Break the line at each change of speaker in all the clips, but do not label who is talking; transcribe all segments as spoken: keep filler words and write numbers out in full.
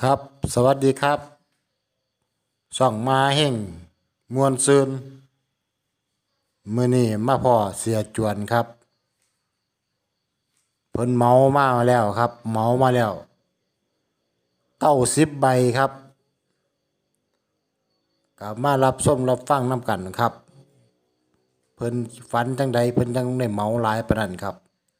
ครับสวัสดีครับช่องมาแห่งมวลซืนมื้อนี้มาพ่อเสียจวนครับเพิ่นเมามาแล้วครับเมามาแล้วเก้าสิบใบครับก็มารับชมรับฟังนำกันครับเพิ่นฝันจังใดเพิ่นจังได้เมาหลายปานนั้นครับ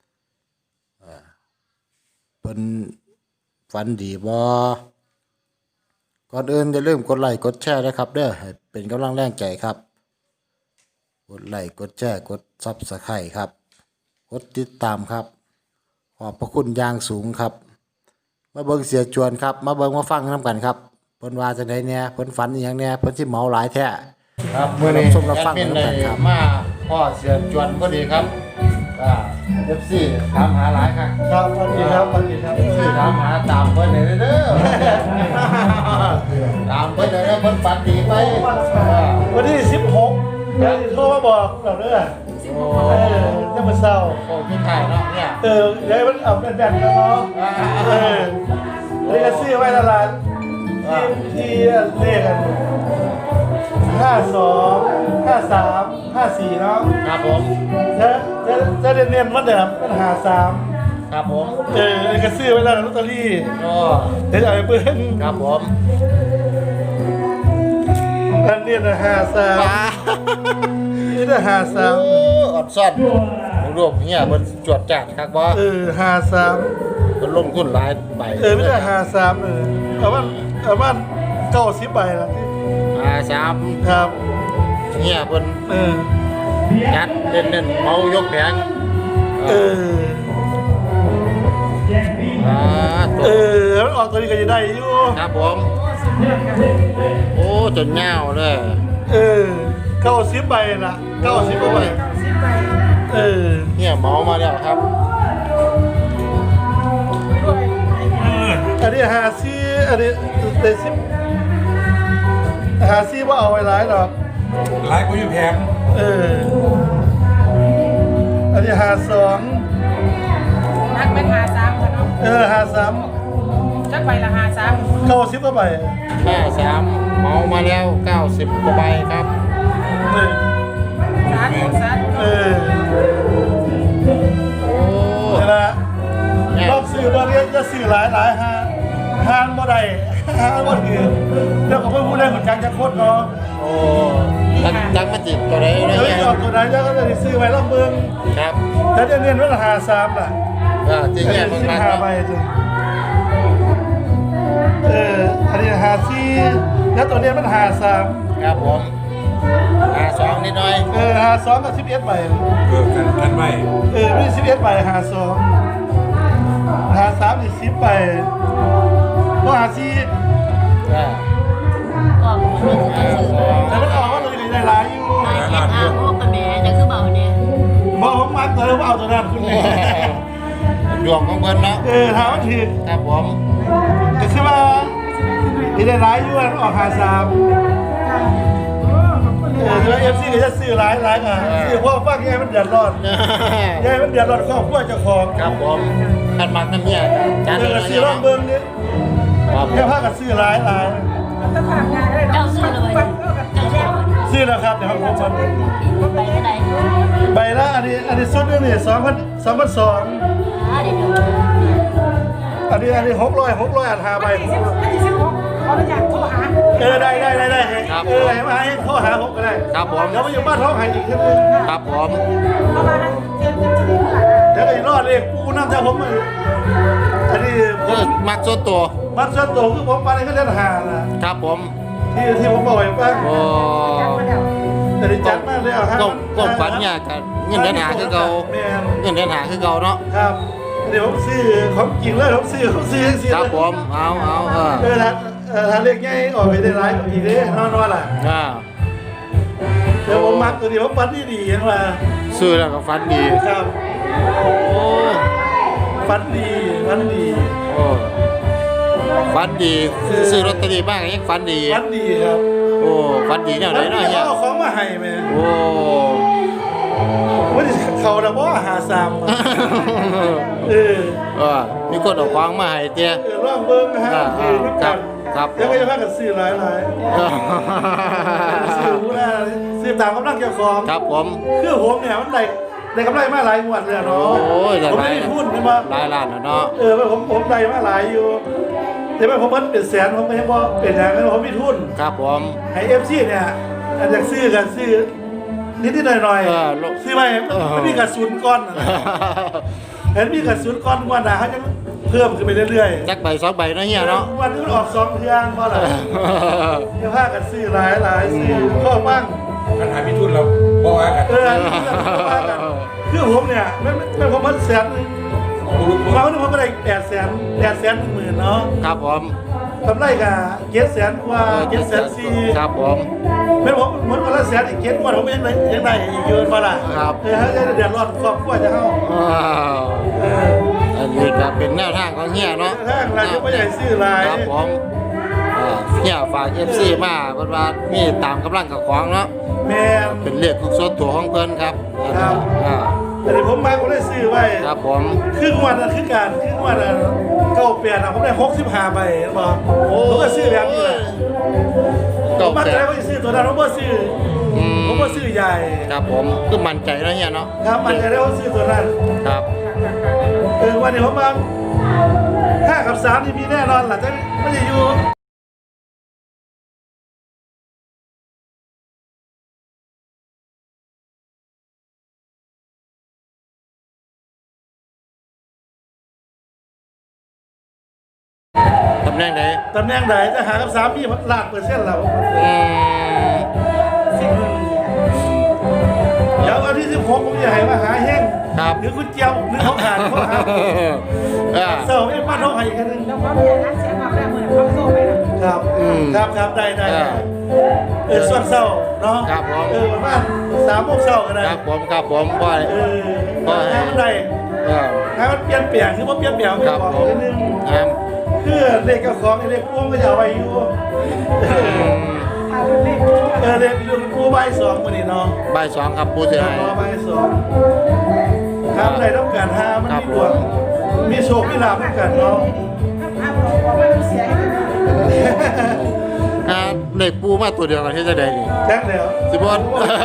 เพิ่นฝันดีบ่ก่อนอื่นอย่าลืมกดไลค์กดแชร์นะครับเด้อให้เป็นกำลังแรงใจครับกดไลค์กดแชร์กด ซับสไครบ์ ครับกดติดตามครับขอบพระคุณอย่างสูงครับมาเบิ่งเสียจวนครับมาเบิ่งมาฟังนำกันครับเพิ่นว่าจังไดแหน่เพิ่นฝันอีหยังแหน่เพิ่นสิเมาหลายแท้ครับมื้อนี้ชมรับฟังนำกันครับมาพ่อเสียจวนพอดีครับอ่า เอฟ ซี ถามหาหลายครับ
ครับสวัสดีครับสวัสดีครับ
เอฟ ซี ถามหาตามเพิ่นได้เด้อตามเพิ่นได้เด้อเพิ่นฝันดีไป
วันที่สิบหกเดี๋ยวโทรมาบอกเราเด้อ
โอ้
เออจะมาเศร้า
โหพี่ไทยเนาะเนี่ย
เออเดี๋ยวมันเอาเป็นแบบกันเนาะเออเลยก็ซื้อไว้ละลานที่ที่เลขกันห้าสองห้าสามห้าสี่เนาะ
ครับผม
จะจะจะเรียนๆวันเดิมปัญหาสาม
ครับผม
เออเลยก็ซื้อไว้แล้วลอตเตอรี่
ก็
เดี๋ยวจะเอาไปเบิ้ง
ครับผม
อันนี้นะห้าสาม
ป้า
นี่นะห้าสาม
โอ้อดซ่อนรวมเฮียเพิ่นจวดจัดครับบ่
เออห้าสาม
เพิ่นลงทุนหลายใบ
เออไม่ได้หาสามเออเอาบ้านเอาบ้านเก้าสิบใบละ
หาสาม
ครับ
เฮียเพิ่น
เออ
จัดเล่นๆเมายกแผง
เออ
อ่า
เออมันออกตัวนี้ก็จะได้อยู่
ครับผมโอ้จนเงาเลย
เออเก้าสิบใบละเก้าสิบใบเออ
เฮียเมามาแล้วครับ
อันนี้หาซีอันนี้เดซิบหาซีว่าเอาไว้ร้ายหรอก
หลายกูอยู่แพง
เอออันนี้หาสอง
นักเป็นหาสามกันเนาะ
เออหาสาม
จักใบละหาสาม
เก้าสิบใบ
ห้าสามเมามาแล้วเก้าสิบกว่าใบครับ
เออ
สาธุสาธุ
เออ
โอ้
นี่ละรอบสื่อบริเวณจะสื่อหลายหลายฮะฮานบ่ได้ฮานบ่ถือเดี๋ยวก็ไม่พูดได้เหมือนกันจะโคตรเนาะ
โอ้จักจักมาจิตตัวไหนนะ
เดี๋ยว
เฮีย
จะออกตัวไหนเดี๋ยวก็จะได้ซื้อไว้รอบเมือง
ครับ
แต่เดี๋ยวเรียนว่าหาสามล่ะ
อ่าจริง
เดี๋
เฮีย
ยว
มัน
ซื้อ
มา
หาใบจ้ะเอออันนี้หาสี่แล้วตัวเนี้ยมันหาสาม
ครับผมหาสองนิดหน่อย
เออหาสองกับสิบเอ็ดใบ
เออกันกันไม่
เออไม่สิบเอ็ดใบหาสองหาสามอีกสิบใบก็หาสี่
อ่า
ออกมาเป็นจะซื้อ
แต่มันออกว่าตัวนี้ได้หลายอยู่
นายเจ็ดอาโมกับแม่จะคือเบาเนี่ย
บอกผมมักเลยว่าเอาตัวนั้นคุณแม่
ดวงของเพิ่นเนาะ
เออถามว่าผิด
ครับผม
แต่ใช่ป่ะที่ได้ร้ายอยู่ออกหาสามเออแล้วเอฟซีก็จะซื้อร้ายร้ายอ่ะซื้อเพราะฟังยายมันเดือดร้อนยายมันเดือดร้อนครอบครัวเจ้าของ
ครับผมขันมักน้ำเฮียจัด
เอ
เล
อย ซื้อรอบเบิ้งนี่
ครับ
แค่พากันซื้อร้ายร้าย
ตะภาพงานได้
เจ้า
เนาะ
ซื้อเลยเจ้าแช่วัน
ซื้อแล้วครับเดี๋ยวผมมัน
ไปเท่าไหร่
ใบละอันนี้อันนี้สุดนึงนี่สองพันสองพันสอง
อ่าเดี๋ยว
อันนี้อันนี้หกร้อยหกร้อยอันหาใบ
วันที่สิบวันที่สิบหกเขาจะอยากโทรหา
เออได้ได้ได้ได้เออให้มาให้โทรหาผมก็ได้
ครับผม
เดี๋ยวมาอยู่บ้านท้องไห้อีกทีนึง
ครับผม
เพราะว่าเจ็บจะจะดีกว่า
เดี๋ยวไอ้รอดเองกูน้ำใจผมมันอันนี้ผ
คือ
ม
มักส่วนตัว
มันส่วนตัวคือผมไปในก็เล่นหานะครับ
ผม
ที่ที่ผมบอกไว้ป้า
โอ้
จัดมาแล้ว
แต่ได้จัดมากเลยเอาฮะ
ก็ก็ฝันเนี่ยกันเงินเดือนหาคือเก่า
แม่น
เงินเดือนหาคือเก่าเนาะ
ครับเดี๋ยวผมซื้อของจริงเลยผมซื้อผมซื้อซื้อ
ครับผมเอาเอาเออ
เออถ้าเออถ้าเล็กง่ายออกไปได้ร้ายกว่าอีกเด้นอนนอนล่ะ
อ่า
เดี๋ยวผมมักตัวนี้ผมฟันที่ดีเห็นว่า
ซื้อแล้วก็ฝันดี
ครับ
โอ้
ฟันดีฟันดี
โอ้ฝันดีซื้อลอตเตอรี่บ้างยังฝันดี
ฟันดีครับ
โอ้ฝันดีแนวไหน
แล้ว
เนาะ
นี่
เฮีย
เขาเอาของมาให้แม่
โอ้
ว่าจะขเขาแล้วว่าหาสามเออ
เออมีคนเอาของมาให้เตี้ย
เออลองเบิ้งนะฮะ
อ่า
คือน้ำกัน
ครับ
แล้วก็จะพากันซื้อหลายหลายๆซื้อผู้น่าซื้อตามกำลังเจ้าของ
ครับผม
คือผมเนี่ยมันได้ได้กำไรมาหลายงวดเลยอะเนาะ
โอ้ยได้
ผม
หลาย
ไม่ได้ทุนใช่ไหม
หลายล้านแล้วเนาะ
เออผมผมได้มาหลายอยู่แต่ว่าผมมันเป็นแสนผมไม่ใช่ว่าเป็นอย่างนั้นผมมีทุน
ครับผม
ไอเอฟซีเนี่ยอาจจะซื้อกันซื้อนิดๆหน่อย
เออลูก
ๆซื้อไปมันมีกระสุนก้อนน่ะนะเห็นมีกระสุนก้อนงวันหนาเขาจะเพิ่มขึ้นไปเรื่อยๆ
จักใบสองใบเนาะเฮียเนาะ
วันนี้มันออกสองเทืองเพราะอะไรเดี๋ยวพากันซื้อหลายหลายซื้อข้อบ้าง
ปัญหาพิทุนเราบอกว่ากัน
เอออันนี้เรื่องข้อบ้างกันคือผมเนี่ยไม่ไม่ผมมันแสนหนึ่ง
ลูก
มาวันนี้ผมก็ได้แปดแสนแปดแสนหนึ่งหมื่นเนาะ
ครับผม
กำไรกับเจ็ดแสนกว่าเจ็ดแสนสี่
ครับผม
เป็นผมเหมือนวันละแสนอีกเจ็ดวันผมยังได้ยังได้อีกเยอะมาละ
ครับ
เออฮะจะเดือดร้อนครอบครัวจะเข้า
ว้าว
เออ
อันนี้ก็เป็นแนวทางของเฮียเนาะ
ถ้าเราจะไม่ใหญ่ซื้อหลาย
ครับผมเอ่อเฮียฝาก เอฟ ซี มาเพิ่นว่ามีตามกำลังกับของเนาะ
แม่
เป็นเลขของส่วนตัวของเพิ่นครับ
ครับ
อ่า
แต่เดี๋ยวผมมาผมได้ซื้อไว้
ครับผม
ครึ่งวันนะครึ่งการครึ่งวันนะเก้าเปลี่ยนอะผมได้หกสิบห้าใบบอกผมก็ซื้อแบบนี้แหละผ
เก้าม
มั่น
แป
ใจ
ด
ว่าจะซื้อตัวนั้นผมก็ซื้ออ
อืม
ผมก็ซื้อใหญ่
ครับผมคือมั่นใจเนาะเฮียเนาะ
ครับมั่นใจได้ว่าซื้อตัวนั้น
ครับ
เออวันนี้ผมมาห้ากับสามนี่มีแน่นอนหลังจากไม่ได้อยู่
ตำแหน่งใด
ตำแหน่งไหนจะหากับสามมีล้านเปอร์เซ็นต์แล้ว
อืม
เดี๋ยววันที่สิบหกผมจะให้มาหาแห้ง
ครับ
หรือคุณเจียวหรือเขาขาดเขาหา
อ่า
เสิร์ฟให้ป้าท้องให้อีกครั้งหนึง
แล้วก็มีร้านเสียงมาแล้วเหมือนเขาโซ่ไปนะครับ
อืม
ครับครับได้ได้
อ่า
เออส่วนเศร้าเนาะ
ครับผม
เออประมาณสามโมงเศร้าก็ได้
ครับผมครับผมบ่อย
เออ
บ่อย
ถ้ามันได้
เออ
ถ้ามันเปลี่ยนเปลี่ยนคือว่าเปลี่ยนเปลี่ยนไม่
ครับ
บอก
ผม
นิดนึง
ครับ
คือเลขกับของเลขพ่วงก็จะเอาไว้อยู่
อืม
ทางเลข
เออเลขลูกปูใบสองวันนี้เนาะ
บ่ายสองครับผู้เสียหาย
รอใบสองครับในต้องการหามัน
ครับ
มีดวงมีโชคมีลาภด้วยกันเนาะ
ถ้าพาบอกว่าไม่ต้องเสียให้เลย
อ่าเลขปูมาตัวเดียวกันที่จะได้นี่
แจ้งแล้ว
สิบอน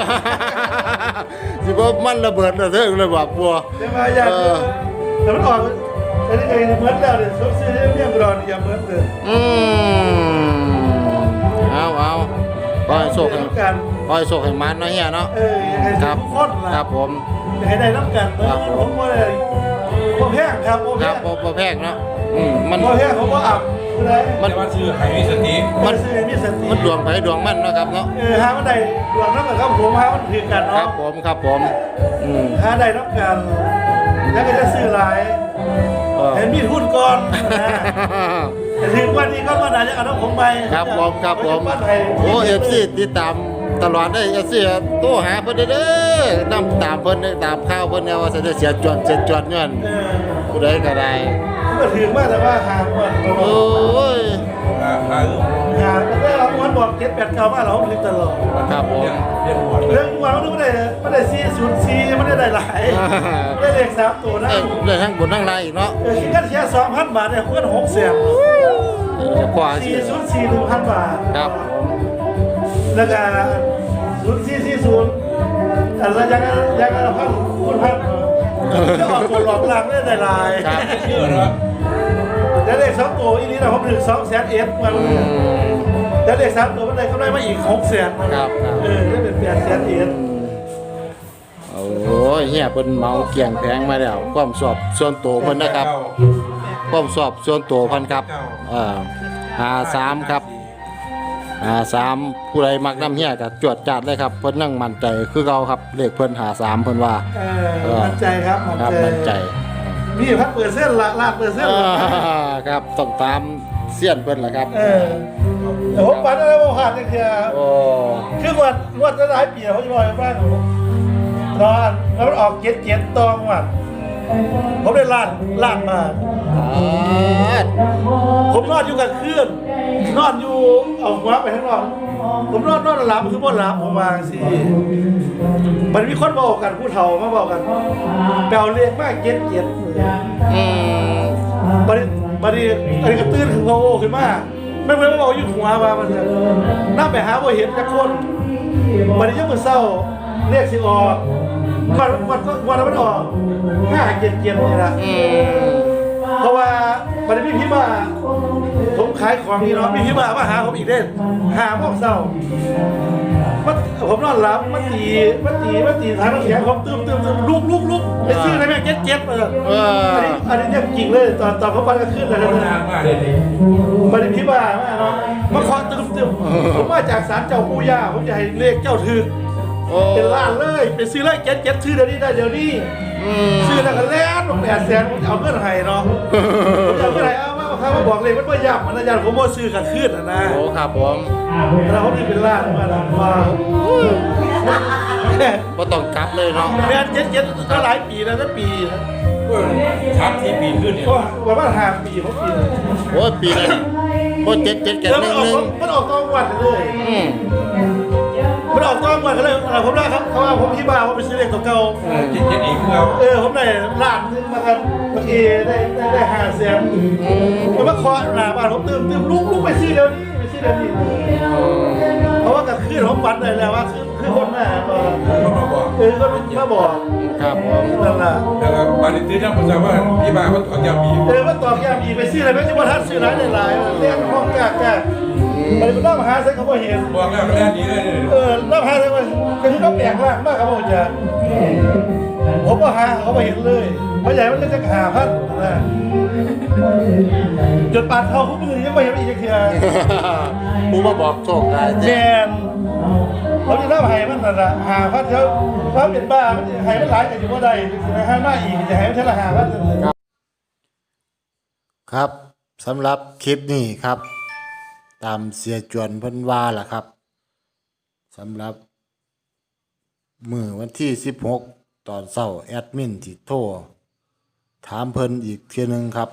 สิบอนมันระเบิดระเทิงเลยว่าปัว
เดี๋ยวมาอยาก
เออ
แต่มันออกไอ้นี่ไอ้เหมือนแล้วเนี่ยซื้อซื้อเมี่ยงกรอนอย่าเหมือนเลย
อืมเอาเอาปล่อยโชคให้
น้ำกัน
ปล่อยโชคให้มันเนาะเฮียเนาะ
เออยังไง
ครับ
ทุกคนล่ะ
ครับผม
ยังไงได้น้ำกันเอ
ครั
อบ
ผม
ผมว่าอะไรผมแพงครับผม
ค
แพ
รับ
ง
บ่บ่แพงเนาะอืมมัน
ผมแพงผมก็อับเลย
มันว่าซื้อไข่มีสติ
มันซื้อมีสติ
มันดวงไผดวงมันเนาะครับเนาะ
เออหามันได้ดวงน้ำกับครับผมหามันถือกัน
ครั
เนาะ
บผมครับผมอืม
หาได้น้ำกันแล้วก็จะซื้อหลาย
เออ
เห็นมีทุนก่อนนะแต่ถึงวันนี้ก็มาได้จะเอาน้ำผมไป
ครับผมครับผม
บ้านไทย
โอ้เอฟซีติดตามตลอดได้เอฟซีโทรหาเพิ่นเด้อเด้อนำตามเพิ่นเด้อตามข่าวเพิ่นเนี่ยว่าสิได้เสียจวนเสียจวนเงิน
เออ
ผู้ใดก็ได้
ก็ถือมากแต่ว่าหาวัน
โอ้ย
อ่าอ่า
หาแต่ได้เราวันบอกเจ็ดแปดเก้ามาเราถือตลอด
ครับผม
เรียนหัวเลย
เรื่องวันเราไม่ได้ไม่ได้ซีศูนย์ซีไม่ได้ได้หลายได้เลขสามตัวนะ
เอ้ยเรื่องทั้งบนทั้งล่างอีกเนาะ
เออคิดกันแค่สองพันบาทเนี่ยคุณหกแสน
เออจะกว่าสิ
สี่ศูนย์สี่หนึ่งพันบาท
ครับผม
แล้วก็ศูนย์สี่สี่ศูนย์อันละยังยังละพันคูณพันจะออกตัวหลอกหลังได้ได้หลาย
ครับ
เชื่อเนาะ
แล้วเลขสองตัวอีนี้เราผมถึงสองแสนเอสมัน
อืม
แล้วเลขสามตัวมันได้กำไรมาอีกหกแสน
ครับครับ
เออได้เป็นแปดแสนเอส
โอ้ยเฮียเพิ่นเมาเกี่ยงแพงมาแล้วความสอบส่วนตัวเพิ่นนะครับ ความสอบส่วนตัวเพิ่นครับเอ่อหาสามครับหาสามผู้ใดมักน้ำเฮียก็จวดจัดเลยครับเพิ่นนั่งมั่นใจคือเก่าครับเลขเพิ่นหาสามเพิ่นว่า
เออมั่นใจครับมั่น
ครับ
ใจ
มั่นใจ
นี่พักเปิดเส้นละลาดเปิดเส้น
อ่า
ละ
ครับต้องตามเสี้ยนเพิ่นล่ะครับ
เออแต่ผมฝันอะไรว่าผ่านเนี่ยคือ
โอ้
คือวันวันละหลายปีเขาจะบอกว่าผมนอนแล้วมันออกเจ็ดเจ็ดตองวันผมได้ล้านล้านมา
อ่า
ผมนอนอยู่กับเคลื่อนนอนอยู่เอาหัวไปข้างนอกผมนอนนอนหลับคือบ่หลับผมวางสิมันมีคนบอกกันผู้เฒ่ามาบอกกันแปลเลขมากเจ็ดเจ็ด
อืม
บัดนี้บัดนี้อันนี้ก็ตื่นขึ้นพอโอขึ้นมาไม่เพิ่นมาบอกอยู่หัวว่ามันจะนำไปหาบ่เห็นจักคนบัดนี้ยามมื้อเช้าเลขสิออกวันวันวันมันออกห้าเจ็ดเจ็ดนี่ล่ะ
อืม
เพราะว่าบัดนี้พี่มาผมขายของนี่เนาะพี่มามาหาผมอีกเด้หาโมงเช้ามันผมนอนหลับมันตีมันตีมันตีทางน้ำแข็งผมตื่นตื่นตื่นลุกลุกลุกไปซื้ออะไรแม่เจ็ดเจ็ดมาเลย
เออ
อันนี้อันนี้เนี่ยจริงเลยตอนตอนเขาปันก็ขึ้นเลย
คน
นะ
นานมากเลยดิ
บัดนี้พี่มามาเนาะมาขอตื่นตื่นผมมาจากศาลเจ้าปู่ย่าผมจะให้เลขเจ้าถือ
โอ้
เป็นล้านเลยเป็นซื้อเลยเจ็ดเจ็ดซื้อเดี๋ยวนี้ได้เดี๋ยวนี้
อืม
ซื้อแล้วก็แล่นแปดแสนผมจะเอาเงินให้เนาะผมจะเอาเงินให้เอามาเขามาบอกเลยมันว่ายับมันนะยันผมว่าซื้อกันขึ้นนะนะ
โอ้ครับผม
แล้วเขานี่เป็นล้านมาแล้วมา
บ่ต้องกลับเลยเนาะ
แม่เจ็ดเจ็ดก็หลายปีแล้วนะปี
เว้ยทับที่ปีขึ้นเนี่ย
ก็ประมาณห้าปีหกปีเลย
โอ้ยปีนั้นโอ้เจ็ดเจ็ดกัน
แล้ว
ห
มัน
นึ่ง
ออก
หนึ่ง
มันออกตองวันเลย
อืม
มันออกตองวันก็เลยเอาผมได้ครับเขาว่าผมที่บ้านผมไปซื้อเลขตัวเก่า
เออเจ็ดเจ็ดอีกแล้ว
เออผมได้ล้านนึงมากันเมื่อกี้ได้ได้ได้ห้าแสนมันมาเคาะหน้าบ้านผมเติมเติมลุกลุกไปซื้อเดี๋ยวนี้ไปซื้อเดี๋ยวนี้เพราะว่ากับคืนผมฝันได้แล้วว่าคือคือคนมาบอก
คนมาบอก
เออก็มาบอก
ครับผม
นั่นแหละ
แล้วก็บ้านนี้ตื่นนั่งประจำว่าที่บ้านเขาถอนยาบี
เออมาตอกย้ำอีกไปซื้ออะไรไม่ใช่ว่าท่านซื้อร้านหลายๆเรียกห้องกากามันเป็นน้ำหาใส่เขาบ่เห็น
บอกแล้วมันแน่ดีเลย
เออน้ำหาใส่ว่าก็คือน้ำแปลงล่างมากครับผมจะผมก็หาเขาบ่เห็นเลยเพราะใหญ่มันก็จะหาพันนะจนปาดเขาคู่มือยังไม่เห็นอีกเทีย
ผู้มาบอกโชคได้
แม
เจ้
นเขาจะน้ำหายมันน่ะละหาพันเขาเขาเป็นบ้ามันหายมันหลายแต่อยู่ว่าใดนะฮะมาอีกจะหายมันเท่าละหาพัน
ครับสำหรับคลิปนี้ครับ ตามเสียจวนเพิ่นว่าล่ะครับสำหรับมื้อวันที่สิบหกตอนเช้าแอดมินที่โทรถามเพิ่นอีกเทื่อนึงครับ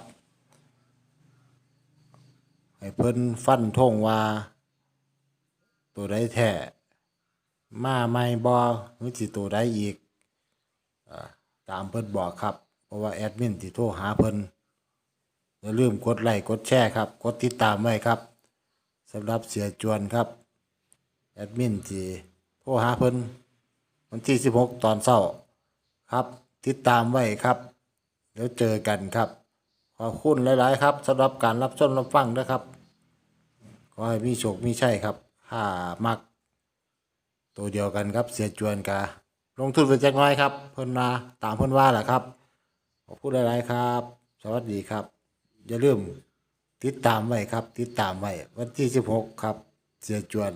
ให้เพิ่นฟันธงว่า ตัวใดแท้มาใหม่บ่หรือสิตัวใดอีกอ่าตามเพิ่นบอกครับ เพราะว่าแอดมินที่โทรหาเพิ่นอย่าลืมกดไลค์กดแชร์ครับ กดติดตามไว้ครับสำหรับเสียจวนครับแอดมินที่โทรหาเพิ่นวันที่สิบหกตอนเช้าครับ ติดตามไว้ครับเดี๋ยวเจอกันครับขอบคุณหลาย ๆ ครับสำหรับการรับชมรับฟังนะครับขอให้มีโชคมีชัยครับถ้ามักตัวเดียวกันครับเสียจวนกาลงทุนไปจักหน้อยครับ เพิ่นมาตามเพิ่นว่าแหละครับขอบคุณหลาย ๆ ครับ สวัสดีครับ อย่าลืมติดตามไว้ครับ ติดตามไว้วันที่สิบหกครับ เสียจวน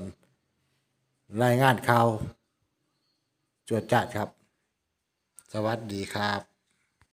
รายงานข่าวจวดจัดครับ สวัสดีครับ